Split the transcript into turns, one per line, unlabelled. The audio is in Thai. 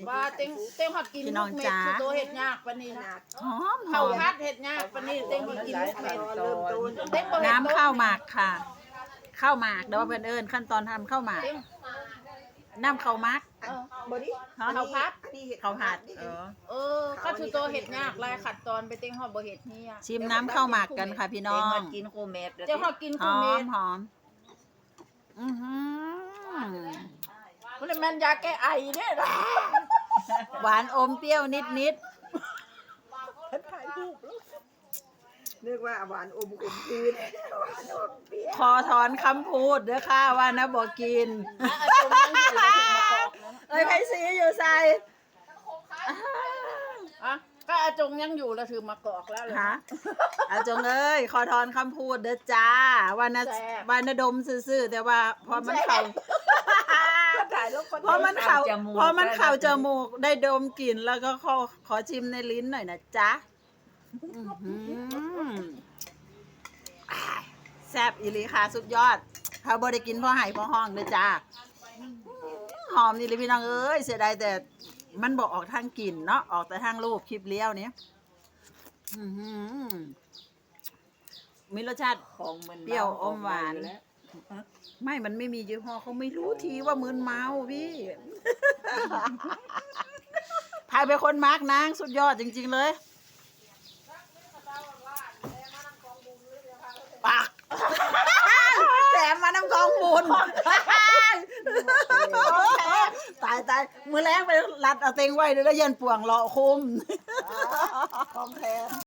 ว่าเต็งหอดกินลูกเม็ดคือตัวเห็ดยากปานนี้นะ
หอมห
ข้า
อ
ว
ม
พัดเห็ดยากปานนี้เต็งหอดกินลูกเม็ดเต็งบ่เห็ด
น้ำข้าวหมากค่ะข้าวหมากเดี๋ยวเพื่อนเอิญขั้นตอนทำข้าวหมาก
เต็ง
น้ำข้าวหมัก
บอดี้
ข้าวพัด
ข้าวผัด
ก็คือตัวเห็ดยากลายขัดตอนไปเต็งหอดบ่เห็ดนี่อ่ะ
ชิมน้ำข้าวหมากกันค่ะพี่น้อง
กินโคเมด
เจ้าหอดกิน
ห
คือ
อ
เม็
ม
ด
หอมอือหือ
มันเลยแม่นยาแก้ไอเนี่ยนะ
หวานอมเปรี้ยวนิดนิด
ถ่ายรูปเรียกว่าหวานอมคืนหวานอมเปรี้ยว
ขอถอนคำพูดเด้อค่ะว่านะบอกกิน
อาจงยังอยู่แล้วถึงมากอกนั้น
เอ้ยไผ่สีอยู่ใส่
อะก็อาจงยังอยู่แล้วถือมากอกแล้วเลย
ฮะอาจงเอ้ยขอถอนคำพูดเด้อจ้าว่านะ
แซ่บ
ว่านะดมซื่อๆแต่ว่าพอมันเข่า
ถ่ายรูปคน
พอมันเข่าจมูกได้ดมกลิ่นแล้วก็ขอชิมในลิ้นหน่อยนะจ๊ะอื้อหือแซ่บอีหลีค่ะสุดยอดเขาบ่ได้กินพ่อไห่พ่อห้องเด้อจ้าหอมนี่เลยพี่น้องเอ้ยเสียดายแต่มันบอกออกทางกลิ่นเนาะออกแต่ทางรูปคลิปเลี้ยวเนี้ยอื้อหือมีรสชาติ
ของมัน
เปรี้ยวอมหวาน ไม่ มันไม่มียี่ห้อเขาไม่รู้ทีว่ามึนเมาพี่ พายเป็นคนมาร์กนางสุดยอดจริง ๆ เลยปาก แถมมานำกองบุญตาย มือแรงไปรัดเอาเต็งไว้เดี๋ยวแล้วยันป่วงรอคุม
ของแท้